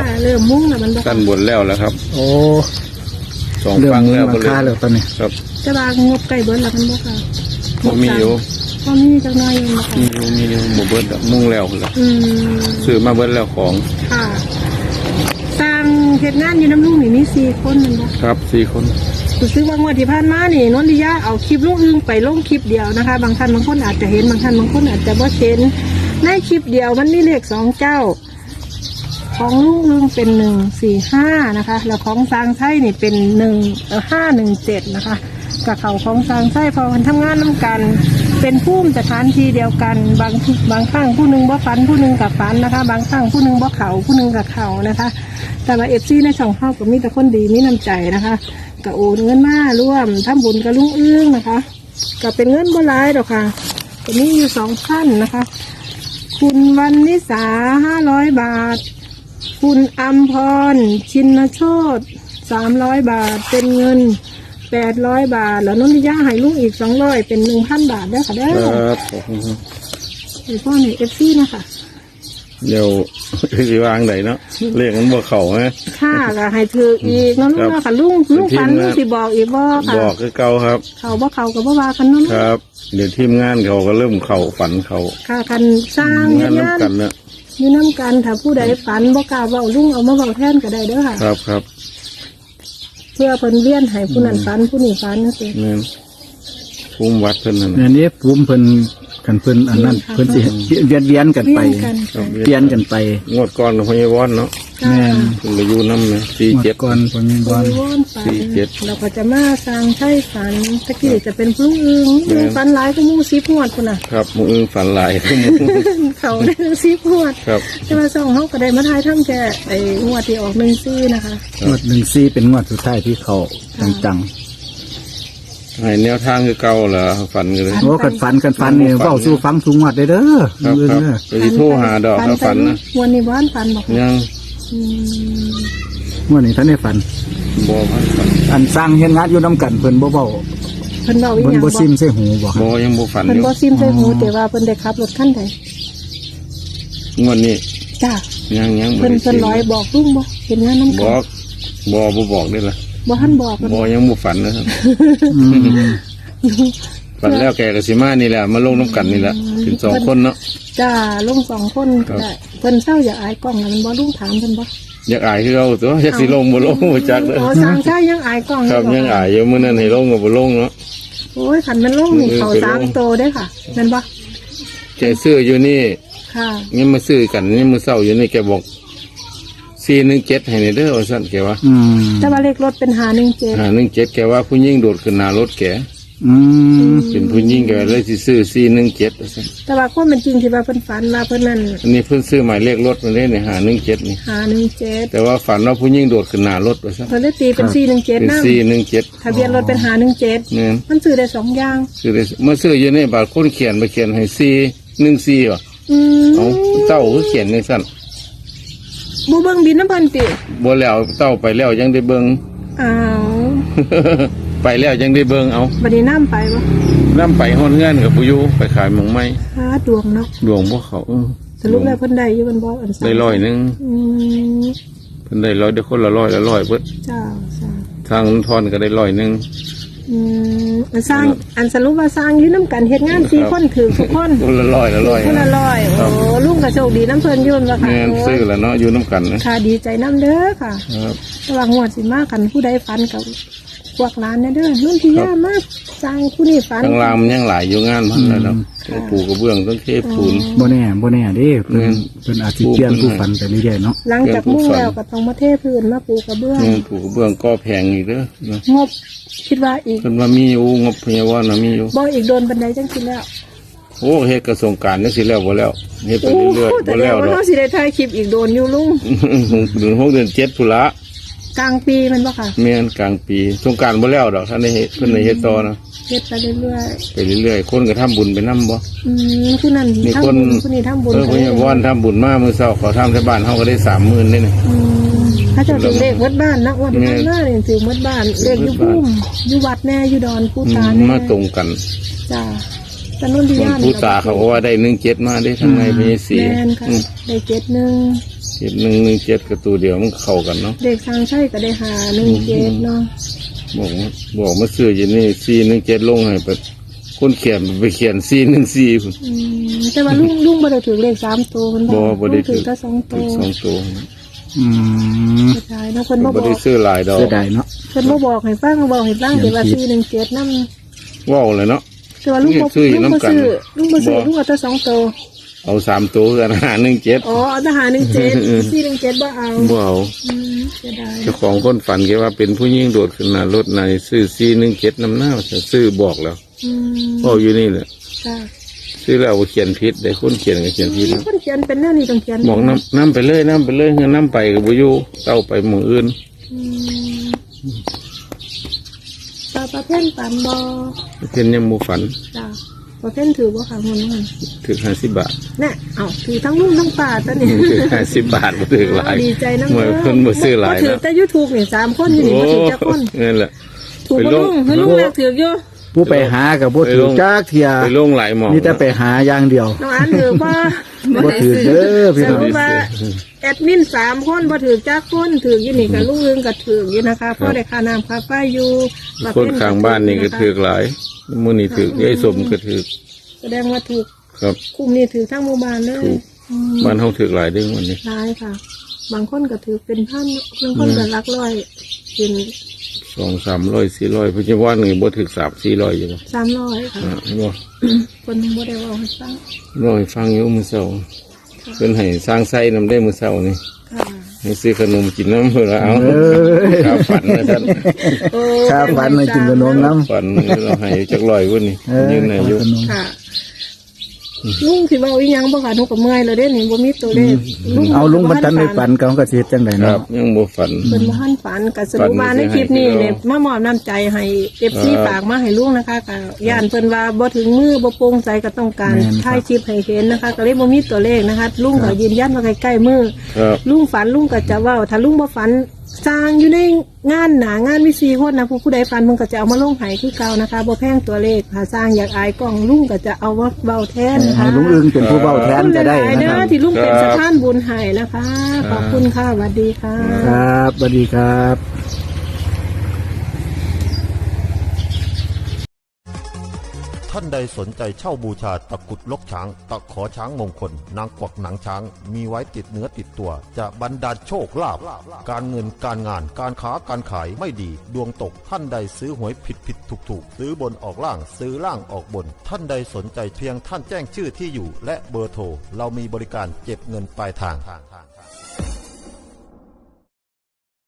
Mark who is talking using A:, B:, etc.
A: เริ่มมุ่งแล้วมัน
B: กันบนแล้วครับ
C: โอ้
B: สองฟังแล้วก็เลย
C: แล้วตอนนี้
B: ครับ
A: จะบางงบไก่เบิ้ลแล้วมันบ่ค่ะ
B: มีอยู่
A: ก็มีจังน้อยอยู่นะคะ
B: มีอยู่หมู่เบิ้ลมุ่งแล้วเลยซื้อมาเบิ้ลแล้วของ
A: ค่ะสร้างเหตุงานอยู่น้ำลุงนี่มี4 คนมันบ่
B: ครับ4 คน
A: ซื้อว่างวดที่ผ่านมานี่นนทิยาเอาคลิปลุงอึ้งไปลงคลิปเดียวนะคะบางท่านบางคนอาจจะเห็นบางท่านบางคนอาจจะบ่เห็นในคลิปเดียวมันมีเลข2 เจ้าของลุงอึ้งเป็น145นะคะแล้วของสร้างไส้นี่เป็น517นะคะกับเขาของสร้างไส้พอมันทำงานน้ำกันเป็นผู้สถานที่เดียวกันบางครั้งผู้หนึ่งบ่ฝันผู้หนึ่งกับฝันนะคะบางครั้งผู้หนึ่งบ่เข่าผู้หนึ่งกับเข่านะคะแต่ว่าFCในช่องเข้าก็มีแต่คนดีมีน้ำใจนะคะก็โอนเงินมาร่วมทำบุญกับลุงอึ้งนะคะก็เป็นเงินบ่หลายดอกค่ะก็มีอยู่2 ท่านนะคะคุณวันนิสา500 บาทคุณอัมพรชินโชต300 บาทเป็นเงิน800 บาทแล้วนนทิยาให้ลุงอีก200เป็น 1,000 บาทได้ค่ะได้
B: ครับ
A: ไอ้พ่อในFCนะคะ
B: เดี๋ยวสิวางไหนเนาะเลขมันบ่เข่าไหม
A: ค่ะก็ให้ถืออีกน้องลุงค่ะลุงฟันลุงสิบอกอีกบ่ค่ะ
B: บอกคือเก่าครับ
A: เขาบ่เขากับบ่ว่ากันน้อง
B: ครับเดี๋ยวทีมงานเขาก็เริ่มเข่าฝันเขา
A: ค่ะคันสร้าง
B: งานน้ำกันเนี่ย
A: มีน้ำกันถ้าผู้ใดฝันบ่กล้าเว้าลุงเอามาเว้าแทนก็ได้เด้อค่ะ
B: ครับ
A: เพื่อเพิ่นเวียนให้ผู้นั้นฝันผู้นี้ฝันนะสิ
B: เนี่ยภูมิวัดเพิ่นนั่น
C: นี่ภูมิเพิ่นกันเพิ่นอันนั้นเพิ่นสิเวียนกันไปเปลี่ยนกันไป
B: งวดก่อนของพญาวอนเนาะ
C: แม่น
B: เพิ่นไปอยู่นำนะ47
C: ก่อนพญาวอน
B: 47
A: เราก็จะมาสร้างไส้ฝันตะกี้จะเป็นผู้อึ้งฝันหลายก็มู่10 งวดพุ่นน่ะ
B: ครับมู่อึ้งฝันหลาย
A: เขาได้10 งวด
B: ครับ
A: แต่ว่า2เฮาก็ได้มาทายทำแค่ไอ้งวดที่ออก14นะคะ
C: งวด14เป็นงวดสุดท้ายที่เขาจัง
B: ให้แนวทางคือเก่าเหรอฝันกันเลย
C: โอ้กันฝันเนี่ยเว้าสู่ฟังสู่งวดได้เด้อ
B: ครับไปโทรหาดอกฝันนะ
A: วันนี้บ้านฝันบอก
B: ยัง
C: งวดนี้ท่านได้ฝัน
B: บ่ฝัน
C: อันสร้างเฮ็ดงานอยู่นำกันเพิ่นบ่เว้า
A: เพิ่นเว้าอีหยัง
C: บ่ซิมใส่หูบ่
B: บ่ยังบ่ฝันอยู่
A: เพิ่นบ่ซิมใส่หูแต่ว่าเพิ่นได้ขับรถคันใด
B: งวดนี้
A: จ้า
B: ยัง
A: เพิ่นร้อยบอกลุงบ่เห็นงานนำ
B: กันบอกได้ล่ะ
A: บ่ทันบอก
B: บ่ยังบ่ฝันนะครับฝันแล้วแกกับสิมานี่แหละมาลงน้ำกันนี่แหละถึง2 คนเนาะ
A: จ้าลง2 คนได้เพิ่นเศร้าอยากอายกล้องมันบ่ลุงถามเพิ่นบ่
B: อยากอายคือเอาตัวอยากสิลงบ่ลงบ่จักเด้อ
A: อ๋อสร้างชายยังอายกล้อง
B: ครับยังอายอยู่มื้อนั้นให้ลงก็บ่ลงเนาะ
A: โอ้ยคันมันลงนี่เขา3 โตได้ค่ะแม่นบ่
B: แกซื้ออยู่นี่
A: ค่ะ
B: ยังมาซื้อกันนี่มื้อเช้าอยู่นี่แกบอก417ให้เด้อว่าซั่นแกว่า
A: แต่ว่าเลขรถเป็น517
B: แกว่าผู้หญิงโดดขึ้นหน้ารถแกเป็นผู้หญิงแกเลยสิซื้อ417ว่าซั่น
A: แต่ว่าความเป็นจริงที่ว่าเพิ่นฝันมาเพิ่นนั่น
B: อันนี้เพิ่นซื้อหมายเลขรถมาได้นี่517นี่
A: 517
B: แต่ว่าฝันว่าผู้หญิงโดดขึ้นหน้ารถว่าซั่น
A: เพิ่นเลยตีเป็น417นำ
B: 417
A: ทะเบียนรถเป็น517มันซื้อได้2อย่าง
B: ซื้อได้เมื่อซื้ออยู่นี่บาดคนเขียนมาเขียนให้414ว่ะเอาเต้าคือเขียนในซั่น
A: บ่เบิ่งบินน้ำเพิ่นติ
B: บ่แล้วเต้าไปแล้วยังได้เบิ่ง
A: อ้าว
B: ไปแล้วยังได้เบิ่งเอา
A: บัดนี้น้ำไปบ่
B: น้ำไปฮอดเงินกับผู้อยู่ไปขายหมองไม้
A: ดวงเนาะ
B: ดวงบ่เขา
A: สรุปแล้วเพิ่นได้อยู่เพิ่นบ่อัน
B: ได้100นึงเพิ่นได้100ได้คนละ100เบิด
A: จ้า
B: ทางทอนก็ได้100นึง
A: สร้างอันสรุปว่าสร้างอยู่น้ำกันเฮ็ดงาน4 คนถือทุกคน
B: คนละ100
A: คนละ100โอ้ลุงก็โชคดีน้ำเพิ่นยุ่นว่าค่ะ
B: แม่นซื้อแล้วเนาะอยู่น้ำกันนะ
A: ค่ะดีใจน้ำเด้อค่ะระหว่างงวดสิมากันผู้ใดฝันกับพวกร้านเนี่ยเด้อนุ่นที่ย่ามากสร้างผู้นี้ฝัน
B: ทางรามยังหลายอยู่งานมันแล้วต้องปูกระเบื้องต้องเทปูน
C: บ่แน่เด้เพิ่นอาจสิเปลี่ยนผู้ฝันไปเรื่อยๆเนาะ
A: หลังจากมุ่งแล้วก็ต้องมาเทพื้นมาปูกระเบื้อง
B: ปูกระเบื้องก็แพงอีกเด้อง
A: บคิดว่าอีก
B: เพิ่นว่ามีอยู่งบพยาบาลน่ะมีอยู่
A: บ่อีกโดนบันไดจังคิดแล้ว
B: โอ้เฮ็ดกระทรวงการจังสิแล้วบ่แล้วเฮ็ดไปเรื่อยๆบ่แล้วดอก
A: เฮาสิได้ถ่ายคลิปอีกโดนอยู่ลุง
B: เดือน6เดือน7พุ่นละ
A: กลางปีมันบ่ค่ะ
B: แม่นกลางปีสงกรานต์บ่แล้วดอกท่านได้เฮ็ดเพิ่นได้เฮ็ดต่อนะ
A: เฮ็ดไปเ
B: รื่อยๆคนก็ทำบุญไปนำบ่
A: คือนั่น
B: มีคนผู้นี้ทำบุญพยาบาลทำบุญมามื้อเช้าเขาทำที่บ้านเฮาก็ได้ 30,000ได้นี่
A: ถ้าเจ้าถึงเลขวัดบ้านนะวัดบ้านน่าเนี่ยถึงวัดบ้านเลขอยู่พุ่มอยู่วัดแน่อยู่ดอนผู้ตาเนี่ย
B: มาตรงกัน
A: จ้าแต่นุ่นที่ย่าน
B: ผู้ตาเขาว่าได้17มาได้ทางในมี4
A: แม่นค่ะได้71
B: 1117กับตัวเดียวมันเข้ากันเนาะ
A: เด็กทางใช่ก็ได้หา17เนาะ
B: บอกมาซื้ออยู่นี่417ลงให้ไปคนเขียนไปเขียน414พุ่น
A: แต่ว่าลุงบ่ได้ถือเลข3ตัวมัน
B: บ่ได้ถือ
A: แต่2ตัว
B: 2ตัว
C: อืม
A: ใช่เนาะเพิ่นบ่บ
B: บ่
A: อก
B: ได้ซื้อหลายดอก
C: เสียดายเนาะ
A: เพิ่นบ่บอกให้ฟังบอกให้ฟังแต่ว่า417นำ
B: ว้าวเลยเนาะ
A: แต่ว่าลุงบ่
B: ซื้ออยู่นำกัน
A: ลุงบ่ซื้อลุงเอาแต่2ตัว
B: เอา3ตัวกัน517
A: อ๋อเอาแต่หา17 417บ่เอา
B: บ่เอา
A: เสียดาย
B: เจ้าของคนฝันแกว่าเป็นผู้หญิงโดดขึ้นหน้ารถในซื้อ417นำหน้าซื้อบอกแล้ว
A: ม
B: เว้าอยู่นี่แหละ
A: จ้ะ
B: ซื้อแล้วเอาเขียนผิดได้คนเขียนก็เขียนผิดนะ
A: คนเขียนเป็นแนวนี้ต้องเขียน
B: บอกน้ำไปเลยเงินน้ำไปกับบุยูเต้าไปหมู่อื่น
A: ตาประเภทปันบ่
B: เห็นยังหมูฝัน
A: จ้ะประเภทถือบ่ค่ะคนนั้น
B: ถึง50 บาท
A: น่ะเอ้าถือทั้งลุงทั้งป้าตอนนี้
B: ถึง50 บาทบ่ถึงหลาย
A: ดีใจนำ
B: เมื่อเพิ่นบ่ซื้อหลาย
A: ถือ
B: นะ
A: แต่ YouTube นี่3คนอยู่นี่บ่ถือจักคน
B: นั่นแหละ
A: ถูกบ่ลุงให้ลุงแรกถืออยู่
C: ผู้ไปหากับบ่ถือจักเที่ย
B: ไปลงหลายหมอง
C: มีแต่ไปหาอย่างเดียว
A: น้องอันถือบ่
C: บ่ถือเด้อพี่
A: ส
C: น้อง
A: รุปว่าแอดมิน3คนบ่ถือจักคนถืออยู่นี่กับลุงอึงก็ถืออยู่นะคะเพราะได้ค่าน้ำค่าไฟอยู่
B: คนข้างบ้านนี่ก็ถือหลายมื้อนี้ถือยายสมก็ถือ
A: แสดงว่าถูก
B: ครับ
A: คุมนี่ถือทั้งหมู่บ้านเลย
B: ถูก บ้านเฮาถือหลายเด้อวันนี้
A: หลายค่ะ บางคนก็ถือเป็นพันบางคนก็หลักร้อยเป็น
B: 200-300 400ปัจจุบันนี่บ่ถึง300-400อยู่บ่
A: 300ค่ะ
B: บ่
A: คนบ่ได้เว่าให้ฟัง
B: รอให้ฟังอยู่มื้อเช้าเพิ่นให้สร้างไส้นำได้มื้อเช้านี่
A: ค่ะ
B: ให้ซื้อขนมกินน้ำเพื่อเอา
C: เอ้ย
B: ข้าวฝันนะท่าน
A: โอ้
C: ข้าวฝันให้กินขนมน้ำ
B: ฝันเราให้จักลอยวันนี้ยืนไหนอยู่
A: ค่ะลุงสิเว้าอีหยังบ่ค่ะหนูก็เมื่อยแล้วเด้นี่บ่มีตัวเลข
C: เอาลุงบรรทันในฝันเขาก็สิเฮ็ดจังได๋
B: ครั
C: เนาะ
B: บยังบ่ฝัน
A: เพิ่นบ่ทันฝันก็สรุปว่าในคลิปนี้เนี่ยมามอบน้ำใจให้ FC ฝากมาให้ลุงนะคะก็ย่านเพิ่นว่าบ่ถึงมือบ่โปร่งใจก็ต้องการถ่ายคลิปให้เห็นนะคะ ก็เลยบ่มีตัวเลขนะคะลุงก็ยืนยันว่าใกล้ๆมือ
B: ครับ
A: ลุงฝันลุงก็จะเว้าถ้าลุงบ่ฝันสร้างอยู่ในงานหนางานวิซีคนนะผู้ใดฝันมึงก็จะเอามาลงให้คือเก่านะคะบ่แพงตัวเลขถ้าสร้างอยากอายกล้องลุงก็จะเอามาเว้าแทนนะ
C: ให้
A: คะ
C: ลุงอึงเป็นผู้เว้าแทนก็ได้
A: ขอบคุณหลายๆ
C: นะ
A: เด้
C: ค
A: อ
C: รับ
A: ที่ลุงเป็นสถานบุญให้นะคะ ขอบคุณค่ะสวัสดีค่ะ
C: ครับสวัสดีครับ
D: ท่านใดสนใจเช่าบูชาตะกรุดลกช้าง ตะขอช้างมงคล นางกวักหนังช้าง มีไว้ติดเนื้อติดตัว จะบรรดาลโชคลาภการเงินการงานการค้าการขายไม่ดี ดวงตกท่านใดซื้อหวยผิดถูกซื้อบนออกล่างซื้อล่างออกบน ท่านใดสนใจเพียงท่านแจ้งชื่อที่อยู่ และเบอร์โทรเรามีบริการเก็บเงินปลายทาง